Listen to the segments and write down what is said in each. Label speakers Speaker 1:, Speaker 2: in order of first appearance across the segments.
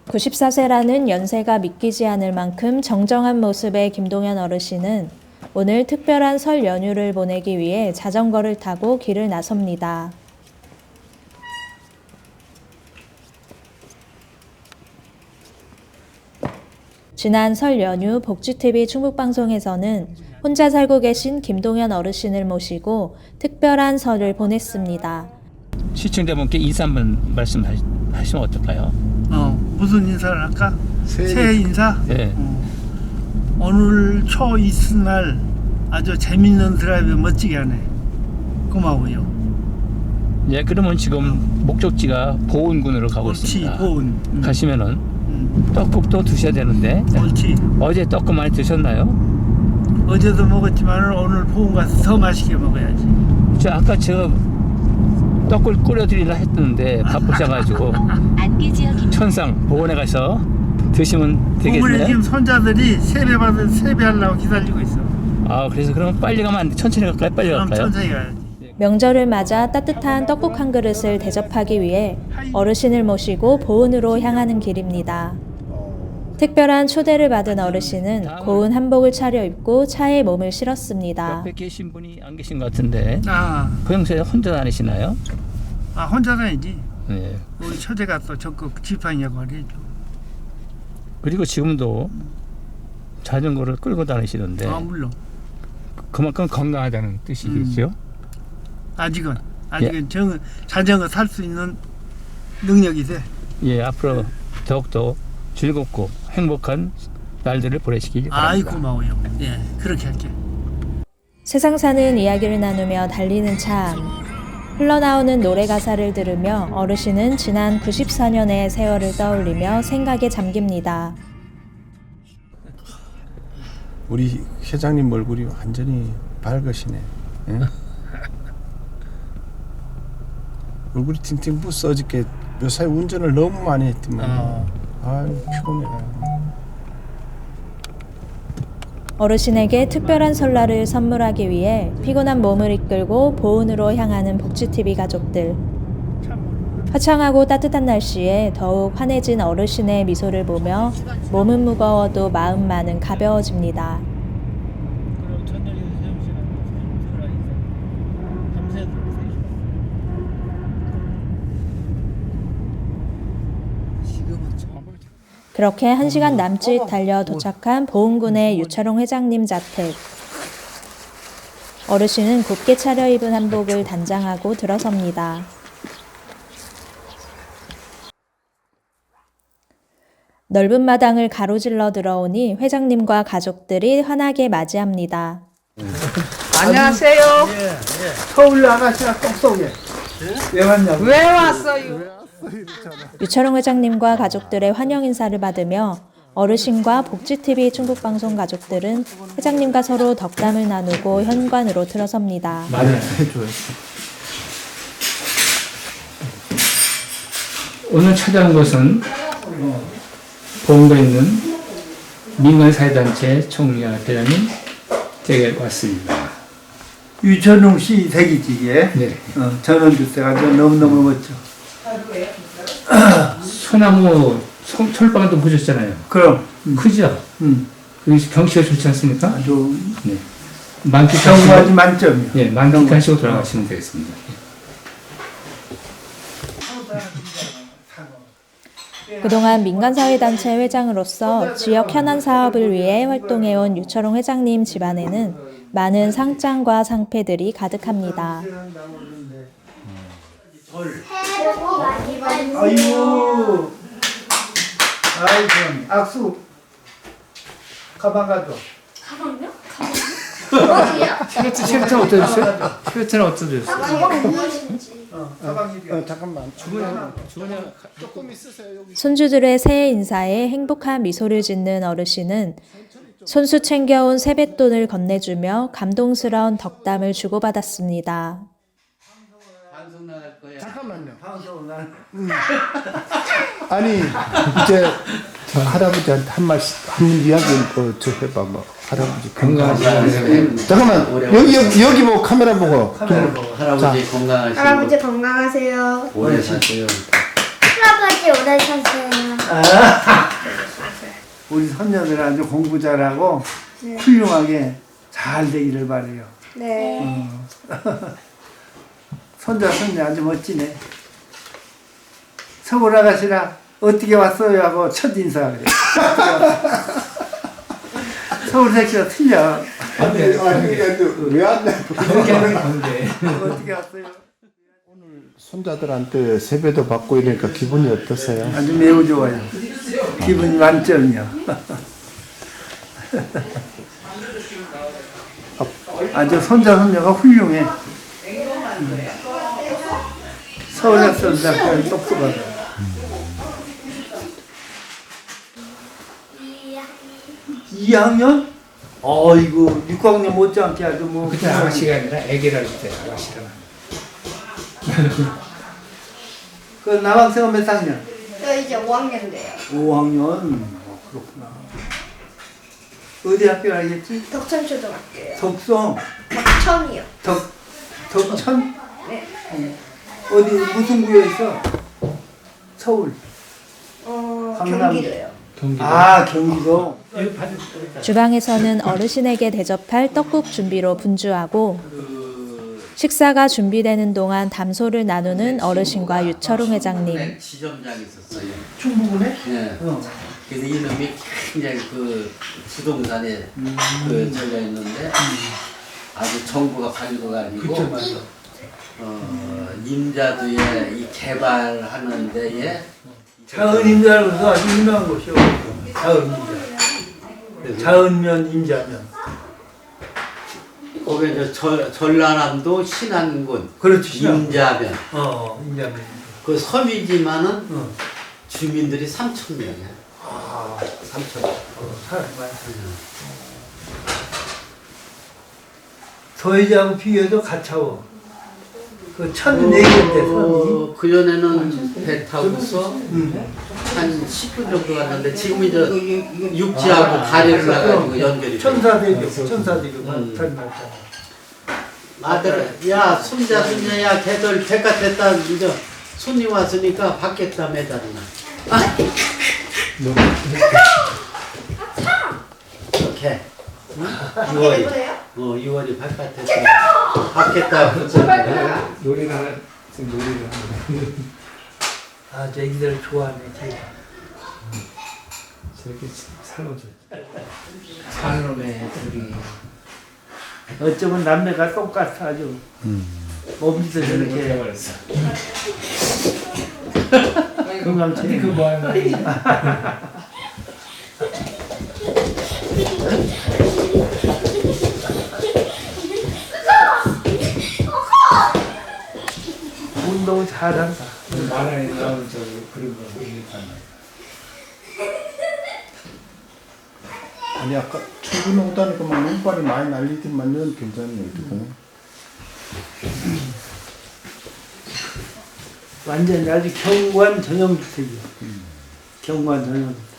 Speaker 1: 94세라는 연세가 믿기지 않을 만큼 정정한 모습의 김동현 어르신은 오늘 특별한 설 연휴를 보내기 위해 자전거를 타고 길을 나섭니다. 지난 설 연휴 복지TV 충북방송에서는 혼자 살고 계신 김동현 어르신을 모시고 특별한 설을 보냈습니다.
Speaker 2: 시청자분께 인사 한번 말씀하시면 어떨까요?
Speaker 3: 무슨 인사를 할까? 새해 인사?
Speaker 2: 네.
Speaker 3: 오늘 초 이튿날 아주 재밌는 드라이브 멋지게 하네. 고마워요.
Speaker 2: 예, 그러면 지금 목적지가 보은군으로 가고
Speaker 3: 옳지,
Speaker 2: 있습니다.
Speaker 3: 보은.
Speaker 2: 가시면은 떡국도 드셔야 되는데
Speaker 3: 옳지.
Speaker 2: 어제 떡국 많이 드셨나요?
Speaker 3: 어제도 먹었지만 오늘 보은 가서 더 맛있게 먹어야지.
Speaker 2: 아까 제가 떡을 끓여드리려 했는데 바쁘셔가지고 천상 보은에 가서 드시면
Speaker 3: 보은에
Speaker 2: 되겠네요.
Speaker 3: 지금 손자들이 세배하려고 기다리고 있어.
Speaker 2: 아, 그래서 그러면 빨리 가면 안 돼. 천천히 갈까요? 빨리
Speaker 3: 그럼
Speaker 2: 갈까요?
Speaker 3: 천천히 가야지.
Speaker 1: 명절을 맞아 따뜻한 떡국 한 그릇을 대접하기 위해 어르신을 모시고 보은으로 향하는 길입니다. 특별한 초대를 받은 어르신은 고운 한복을 차려입고 차에 몸을 실었습니다.
Speaker 2: 옆에 계신 분이 안 계신 것 같은데
Speaker 3: 아,
Speaker 2: 혼자 다니시나요?
Speaker 3: 혼자 다니지.
Speaker 2: 네.
Speaker 3: 우리 처제가 또 적극 지팡이 역할을 해줘.
Speaker 2: 그리고 지금도 자전거를 끌고 다니시던데
Speaker 3: 물론.
Speaker 2: 그만큼 건강하다는 뜻이겠죠?
Speaker 3: 아직은 자전거 탈 수 있는 능력이 돼.
Speaker 2: 예, 앞으로 더욱더 즐겁고 행복한 날들을 보내시기 바랍니다.
Speaker 3: 아이 고마워요. 예, 그렇게 할게.
Speaker 1: 세상 사는 이야기를 나누며 달리는 차 안. 흘러나오는 노래 가사를 들으며 어르신은 지난 94년의 세월을 떠올리며 생각에 잠깁니다.
Speaker 4: 우리 회장님 얼굴이 완전히 밝으시네. 예? 얼굴이 팅팅 부어 어저께 요사이 운전을 너무 많이 했더만. 아유 피곤해.
Speaker 1: 어르신에게 특별한 설날을 선물하기 위해 피곤한 몸을 이끌고 보은으로 향하는 복지TV 가족들. 화창하고 따뜻한 날씨에 더욱 환해진 어르신의 미소를 보며 몸은 무거워도 마음만은 가벼워집니다. 그렇게 1시간 남짓 달려 도착한 보은군의 유철홍 회장님 자택. 어르신은 곱게 차려입은 한복을 단장하고 들어섭니다. 넓은 마당을 가로질러 들어오니 회장님과 가족들이 환하게 맞이합니다.
Speaker 5: 안녕하세요.
Speaker 3: 서울 아가씨가 꼭 쏘게. 왜 왔냐고.
Speaker 5: 왜 왔어요?
Speaker 1: 유철홍 회장님과 가족들의 환영 인사를 받으며 어르신과 복지TV 충북방송 가족들은 회장님과 서로 덕담을 나누고 현관으로 들어섭니다.
Speaker 2: 말을 해줘요. 오늘 찾아온 곳은 보은군에 있는 민간사회단체 총리와 대장님 댁에 왔습니다.
Speaker 3: 유천웅 씨 댁이지 이게.
Speaker 2: 네.
Speaker 3: 전원 주택가 너무너무 멋져.
Speaker 2: 소나무 철방도 보셨잖아요.
Speaker 3: 그럼.
Speaker 2: 크죠? 경치가 좋지 않습니까?
Speaker 3: 아주
Speaker 2: 네.
Speaker 3: 경과지 만점이야.
Speaker 2: 예, 만끽하시고 돌아가시면 되겠습니다.
Speaker 1: 그동안 민간사회단체 회장으로서 지역 현안 사업을 위해 활동해온 유철홍 회장님 집안에는 많은 상장과 상패들이 가득합니다.
Speaker 3: 아이고. 아이고. 악수. 가방 가져.
Speaker 6: 가방요?
Speaker 2: 쉐베트는 어떠셨어요? 쉐베트는 어떠셨어요?
Speaker 6: 가방 무엇인지.
Speaker 4: 잠깐만. 조금 있으세요 여기.
Speaker 1: 손주들의 새해 인사에 행복한 미소를 짓는 어르신은 손수 챙겨온 세뱃돈을 건네주며 감동스러운 덕담을 주고받았습니다.
Speaker 4: 잠깐만요. 아니 이제 저 할아버지한테 한 말씀 한 이야기 저 해봐 뭐 할아버지
Speaker 2: 건강하시고
Speaker 4: 잠깐만 여기 뭐 카메라 보고
Speaker 7: 할아버지 건강하시고
Speaker 6: 할아버지 건강하세요.
Speaker 7: 오래 사세요.
Speaker 6: 할아버지 끝까지 오래 사세요.
Speaker 3: 우리 손녀들 아주 공부 잘하고
Speaker 6: 네.
Speaker 3: 훌륭하게 잘 되기를 바래요.
Speaker 6: 네.
Speaker 3: 손자 손녀 아주 멋지네. 서울 아가씨라 어떻게 왔어요 하고 첫 인사 그래. 서울 새끼가 틀려.
Speaker 4: 왜안 돼?
Speaker 3: 어떻게 왔어요?
Speaker 4: 손자들한테 세배도 받고 이러니까 기분이 어떠세요?
Speaker 3: 아주 매우 좋아요. 기분이 만점이요. 아주 손자 손녀가 훌륭해. 서울역선대학교 똑똑하다. 2학년? 이거 6학년 못지않게 아주 뭐.
Speaker 2: 그때 아가씨가 아니라 애기라 그때 아가씨라.
Speaker 3: 그 남학생은 몇 학년?
Speaker 6: 저 이제 5학년 돼요.
Speaker 3: 5학년. 그렇구나. 어디 학교 알겠지?
Speaker 6: 덕천초등학교요.
Speaker 3: 덕성.
Speaker 6: 덕천이요.
Speaker 3: 덕천?
Speaker 6: 네.
Speaker 3: 어디 무슨 구에 있어? 서울. 강남.
Speaker 6: 경기도요.
Speaker 3: 아 경기도.
Speaker 1: 주방에서는 어르신에게 대접할 떡국 준비로 분주하고 식사가 준비되는 동안 담소를 나누는 어르신과 유철웅 회장님.
Speaker 7: 지점장이 있었어요.
Speaker 3: 충북은에?
Speaker 7: 예. 그래서 이놈이 굉장히 그 부동산에 그 저가 있는데 아주 정부가 가지고가지고 임자도에 이 개발하는 데에
Speaker 3: 자은 임자로서 아주 유명한 곳이요. 자은 임자. 자은면 임자면.
Speaker 7: 거기 전라남도 신안군
Speaker 3: 그렇지.
Speaker 7: 임자면
Speaker 3: 임자면.
Speaker 7: 그 섬이지만은 주민들이 3,000명이야. 3,000명.
Speaker 3: 사람 많습니다. 서해지하고 비교해도 가차워. 그 1,400대 섬이.
Speaker 7: 그 전에는 배 타고서 한 10분 정도 갔는데 지금 이제 육지하고 다리를 나가지고 연결이 돼.
Speaker 3: 천사대교
Speaker 7: 음.
Speaker 3: 단 말잖아.
Speaker 7: 아들, 야 손자 손녀야 걔들 배가 됐다 이제 손님 왔으니까 받겠다 매달이나. 이렇게. 6월이. 6월이 바깥에서 받겠다.
Speaker 2: 노래를 하나 지금 노래를 하나.
Speaker 3: 아, 저 애기들 좋아하네.
Speaker 2: 저렇게 살로줘. 살로네 우리.
Speaker 3: 어쩌면 남매가 똑같아 아주. 몸짓도 저렇게.
Speaker 2: 버렸어.
Speaker 3: 금강채.
Speaker 2: 그 뭐하는
Speaker 3: 운동 잘한다.
Speaker 2: 만화에 나오는 저 그런 거 얘기하는.
Speaker 4: 아니 아까 출근 오다니까 막 눈발이 많이 날리더만 넌 괜찮네 어떡하냐?
Speaker 3: 완전히 아주 경관 전형주택이야. 경관 전형주택.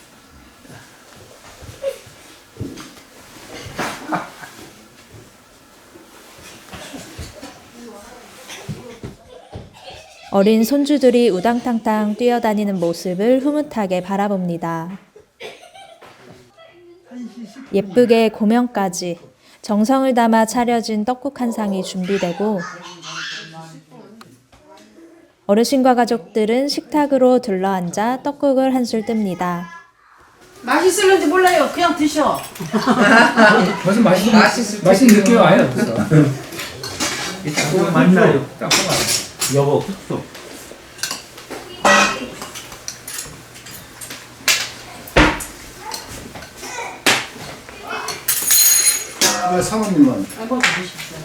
Speaker 1: 어린 손주들이 우당탕탕 뛰어다니는 모습을 흐뭇하게 바라봅니다. 예쁘게 고명까지 정성을 담아 차려진 떡국 한 상이 준비되고 어르신과 가족들은 식탁으로 둘러앉아 떡국을 한술 뜹니다.
Speaker 5: 맛있을는지 몰라요. 그냥 드셔.
Speaker 2: 벌써 맛있는 느낌이 와요. 벌써.
Speaker 3: 그거 맞나요?
Speaker 2: 딱 봐봐.
Speaker 7: 여보 흑소.
Speaker 4: 왜 사모님은?
Speaker 5: 아이고 드십시오.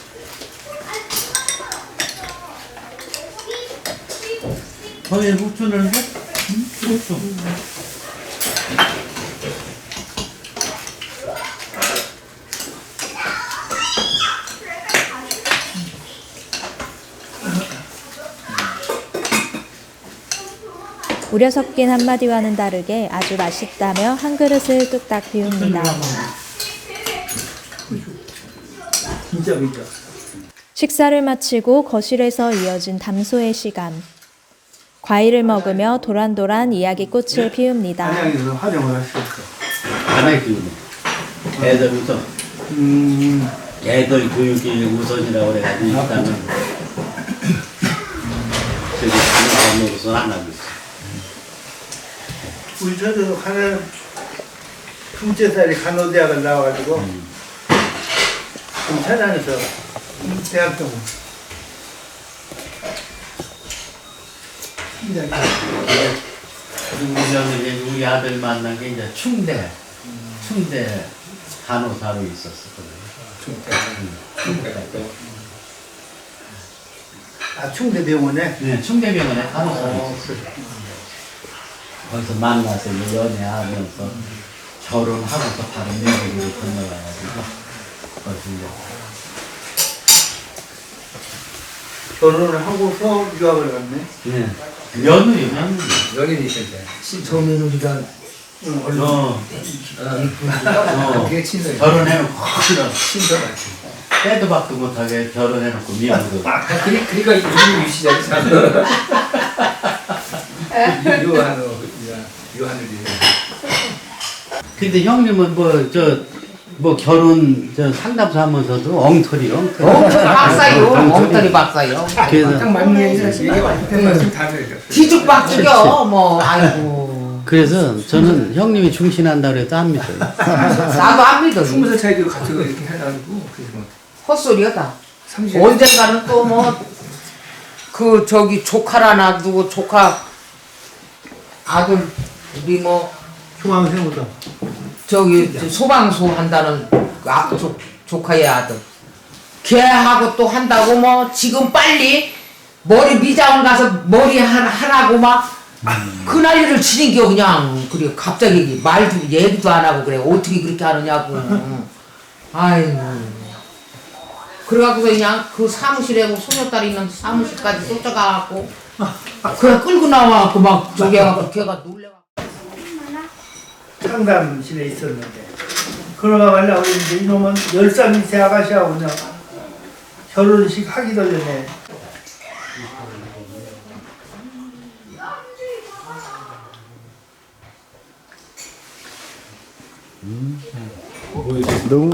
Speaker 7: 저희 후추는 후추.
Speaker 1: 우려 섞인 한마디와는 다르게 아주 맛있다며 한 그릇을 뚝딱 비웁니다.
Speaker 3: 진짜 그죠.
Speaker 1: 식사를 마치고 거실에서 이어진 담소의 시간. 과일을 먹으며 도란도란 이야기꽃을 피웁니다.
Speaker 3: 안양에서 활용을 할 수 있어.
Speaker 7: 안에 기운이. 애들 우선. 애들 교육이 우선이라고 그래가지고 일단은 저기 하는 방법으로서 안 하고 있어.
Speaker 3: 우리 저도 하나 둘째 살이 간호대학을 나와가지고 좀 천안에서 대학교
Speaker 7: 우리 우리 아들 만난 게 이제 충대 간호사로 있었거든요.
Speaker 3: 아 충대병원에
Speaker 7: 네, 충대병원에 간호사로 있었어요. 거기서 만나서 이제 연애하면서 결혼하고서 바로 미국으로 건너가가지고 거기서 이제
Speaker 3: 결혼을 하고서 유학을 갔네.
Speaker 7: 네. 며느리.
Speaker 8: 연인이 있을 때 처음에는 그게 친절
Speaker 7: 결혼해놓고
Speaker 8: 친절하지.
Speaker 7: 때도 박도 못하게 결혼해놓고 미국으로.
Speaker 8: 그러니까 이름이 유시자지 참. 유하늘이.
Speaker 7: 근데 형님은 뭐 결혼 상담소 하면서도 엉터리.
Speaker 5: 박사요. 엉터리 박사요.
Speaker 7: 그래서
Speaker 8: 딱 맞는 얘기가 좀 다르죠.
Speaker 5: 뒤죽박죽여. 뭐 아이고.
Speaker 7: 그래서 저는 형님이 중신한다 그래도 안 믿어요.
Speaker 5: 나도 안 믿어.
Speaker 8: 20살 차이도 같이 이렇게 해가지고 그래서 뭐
Speaker 5: 헛소리였다.
Speaker 8: 30.
Speaker 5: 언젠가는 또 뭐 그 저기 조카라나 누구 조카 아들 우리 뭐
Speaker 3: 중앙생보다
Speaker 5: 저기 소방소 한다는 그 조카의 아들 걔하고 또 한다고 뭐 지금 빨리 머리 미장원 가서 머리 하라고 막 그 난리를 치는겨 그냥. 그래 갑자기 말도 얘기도 안 하고 그래 어떻게 그렇게 하느냐고. 아이고 그래갖고서 그냥 그 사무실에 뭐 소녀딸이 있는 사무실까지 쫓아가갖고 그냥 끌고 나와갖고 막 저기 해갖고 걔가 놀래갖고
Speaker 3: 상담실에 있었는데 그러다 말라고 했는데 이놈은 10살 밑에 아가씨하고 그냥 결혼식 하기도 전에
Speaker 4: 너무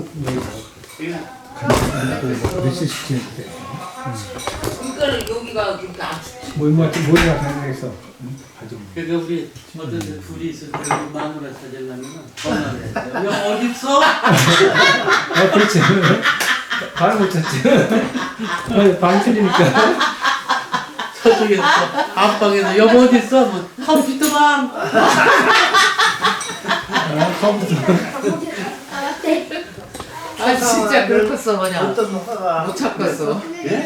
Speaker 8: 며칠 시키는데
Speaker 5: 이거는 여기가 그렇게 안
Speaker 8: 뭐한테 뭐가 가능해서
Speaker 7: 그러니까 우리 어떤 둘이 있을 때 마누라 찾으려면 전화를 했어요. 형 어디 있어?
Speaker 8: 그렇지. 바로 못 찾지. 방 틀리니까.
Speaker 7: 저쪽에서 앞방에서 여보 어디 있어? 뭐 컴퓨터방.
Speaker 5: 아 진짜 그렇겠어 그냥
Speaker 3: 어떤 화가
Speaker 5: 못 찾겠어.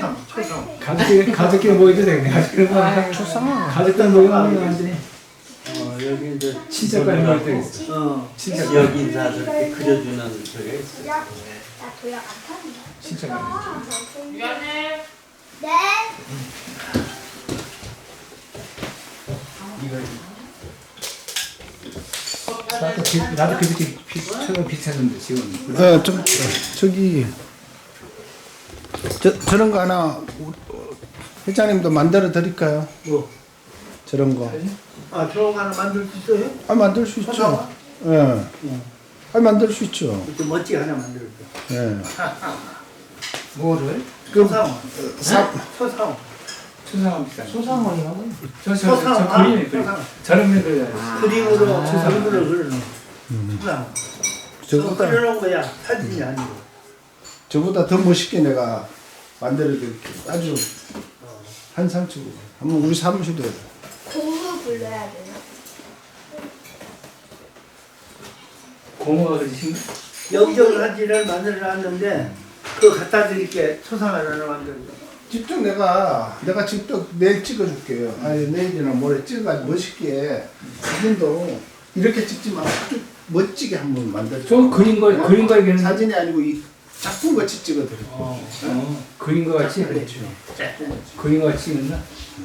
Speaker 8: 가족끼리 모이도 되네. 가족끼리 모이면 안 돼.
Speaker 7: 여기 이제
Speaker 8: 친척까지 모일 때 있어. 친척.
Speaker 7: 여기 인사 저렇게 그려주는 저게 있어요.
Speaker 6: 나 도약 안 타는
Speaker 8: 친척.
Speaker 5: 미안해.
Speaker 6: 네.
Speaker 8: 나도 그렇게 처음에 비슷했는데 지금.
Speaker 4: 좀 저기 저런 거 하나 회장님도 만들어 드릴까요?
Speaker 3: 뭐?
Speaker 4: 저런 거.
Speaker 3: 아 저거 하나 만들 수 있어요?
Speaker 4: 아 만들 수 있죠. 예. 아 만들 수 있죠.
Speaker 3: 좀 멋지게 하나 만들어줘.
Speaker 4: 예.
Speaker 8: 뭐를?
Speaker 3: 소상원. 소상원.
Speaker 8: 초상원 비싼.
Speaker 5: 소상원이라고?
Speaker 8: 저
Speaker 3: 소상원.
Speaker 8: 그림이 그림. 저런 걸
Speaker 3: 그림으로 얼굴을 그려놓은 소상원.
Speaker 4: 저보다
Speaker 3: 그려놓은 거야. 사진이 아니고.
Speaker 4: 저보다 더 멋있게 내가 만들어 드릴게. 아주 한상추. 한번 우리 사무실도
Speaker 6: 고흐 불러야 되나?
Speaker 8: 고모가 그리신
Speaker 3: 영정 사진을 만들어놨는데 그거 갖다 드릴게. 소상원 하나 만들고.
Speaker 4: 직접 내가 직접 내일 찍어줄게요. 아니 내일이나 모레 찍어가지고 멋있게 사진도 이렇게 찍지 말고 아주 멋지게 한번 만들어.
Speaker 8: 저 그린 거 얘기는
Speaker 4: 사진이 아니고 이 작품 같이 찍어드릴게요.
Speaker 8: 그린 거 같이
Speaker 3: 그렇죠.
Speaker 8: 그린 거 같이 있나?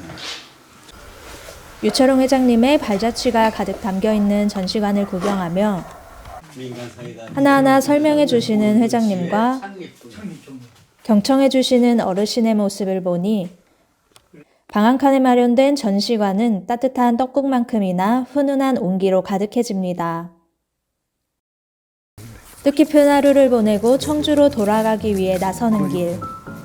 Speaker 1: 유철홍 회장님의 발자취가 가득 담겨 있는 전시관을 구경하며 하나하나 설명해 주시는 회장님과 경청해 주시는 어르신의 모습을 보니 방 한 칸에 마련된 전시관은 따뜻한 떡국만큼이나 훈훈한 온기로 가득해집니다. 뜻깊은 하루를 보내고 청주로 돌아가기 위해 나서는 길.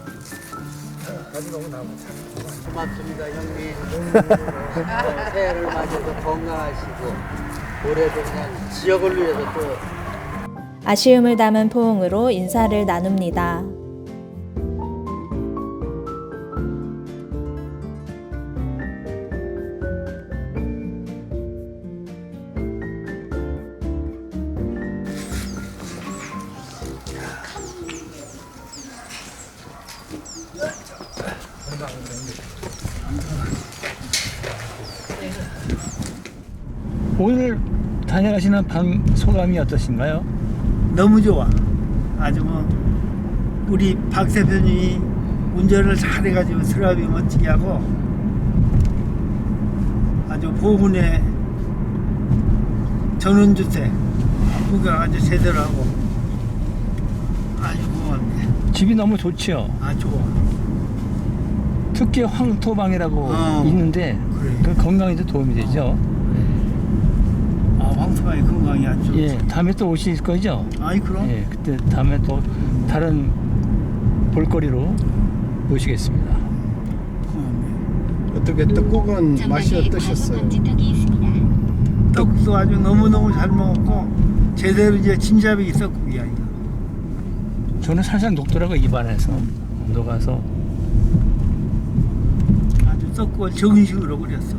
Speaker 7: 고맙습니다 형님. 새해를 맞이해서 건강하시고 올해도 그냥 지역을 위해서 또
Speaker 1: 아쉬움을 담은 포옹으로 인사를 나눕니다.
Speaker 2: 오늘 다녀가시는 방 소감이 어떠신가요?
Speaker 3: 너무 좋아. 아주 뭐 우리 박 대표님이 운전을 잘해가지고 스라비 멋지게 하고 아주 보훈의 전원주택 구경 아주 제대로 하고 아주 고맙네.
Speaker 2: 집이 너무 좋지요.
Speaker 3: 아 좋아.
Speaker 2: 특히 황토방이라고 있는데
Speaker 3: 그래.
Speaker 2: 그 건강에도 도움이 되죠.
Speaker 3: 아 황토방이 건강이 아주 좋지.
Speaker 2: 예, 다음에 또 오실 거죠?
Speaker 3: 아이 그럼.
Speaker 2: 예, 그때 다음에 또 다른 볼거리로 모시겠습니다.
Speaker 3: 고맙네.
Speaker 4: 어떻게 떡국은 맛이 어떠셨어요?
Speaker 3: 떡도 아주 너무너무 잘 먹었고 제대로 이제 진잡이 떡국이야 이거.
Speaker 2: 저는 살살 녹더라고 입안에서 녹아서.
Speaker 3: 아주 떡국을 정식으로 그렸어.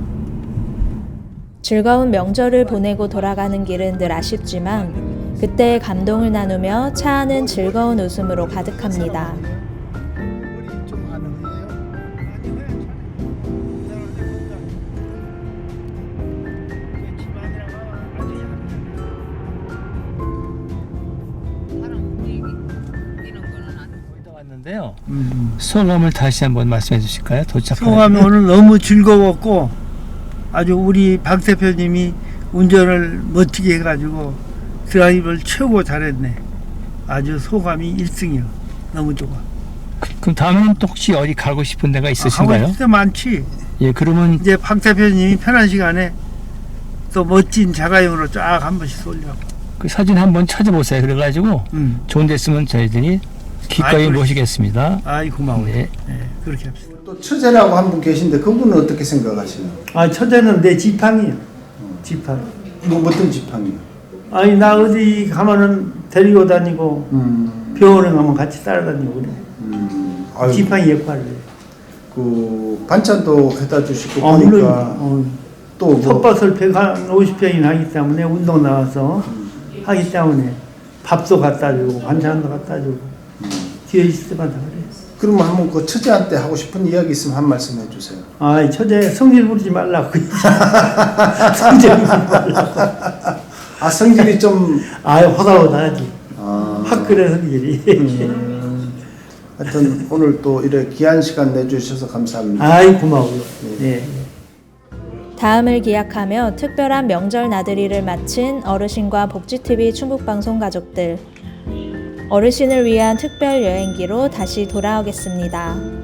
Speaker 1: 즐거운 명절을 보내고 돌아가는 길은 늘 아쉽지만 그때의 감동을 나누며 차 안은 즐거운 웃음으로 가득합니다.
Speaker 4: 머리 좀 가능해요?
Speaker 2: 거의 다 왔는데요. 소감을 다시 한번 말씀해 주실까요? 도착한
Speaker 3: 소감이 오늘 너무 즐거웠고 아주 우리 박 대표님이 운전을 멋지게 해가지고 드라이브를 최고 잘했네. 아주 소감이 1등이요. 너무 좋아.
Speaker 2: 그럼 다음에는 또 혹시 어디 가고 싶은 데가 있으신가요?
Speaker 3: 하고 싶은 데 많지.
Speaker 2: 예, 그러면
Speaker 3: 이제 박 대표님이 편한 시간에 또 멋진 자가용으로 쫙 한 번씩 쏠려고.
Speaker 2: 그 사진 한번 찾아보세요. 그래가지고 좋은 데 있으면 저희들이 기꺼이
Speaker 3: 아이,
Speaker 2: 모시겠습니다.
Speaker 3: 아이 고마워요.
Speaker 2: 네.
Speaker 3: 네, 그렇게 합시다.
Speaker 4: 또 처제라고 한 분 계신데 그분은 어떻게 생각하시나요?
Speaker 3: 아 처제는 내 지팡이요. 지팡이.
Speaker 4: 뭐 어떤 지팡이요?
Speaker 3: 아니 나 어디 가면은 데리고 다니고 병원에 가면 같이 따라다니고 그래.
Speaker 4: 아유,
Speaker 3: 지팡이 역할을 해.
Speaker 4: 그 반찬도 해다 주시고
Speaker 3: 물론
Speaker 4: 보니까 또 뭐,
Speaker 3: 텃밭을 150평이나 하기 때문에 운동 나와서 하기 때문에 밥도 갖다 주고 반찬도 갖다 주고 뒤에 있을 때마다 그래.
Speaker 4: 그러면 한번 그 처제한테 하고 싶은 이야기 있으면 한 말씀 해주세요.
Speaker 3: 아이 처제 성질 부리지 말라고. 성질 부리지 말라고.
Speaker 4: 아 성질이 좀
Speaker 3: 아이 호다호다하지.
Speaker 4: 아,
Speaker 3: 화끈해 성질이.
Speaker 4: 하여튼 오늘 또 이렇게 귀한 시간 내주셔서 감사합니다.
Speaker 3: 아이 고마워요. 네.
Speaker 1: 다음을 기약하며 특별한 명절 나들이를 마친 어르신과 복지TV 충북방송 가족들. 어르신을 위한 특별 여행기로 다시 돌아오겠습니다.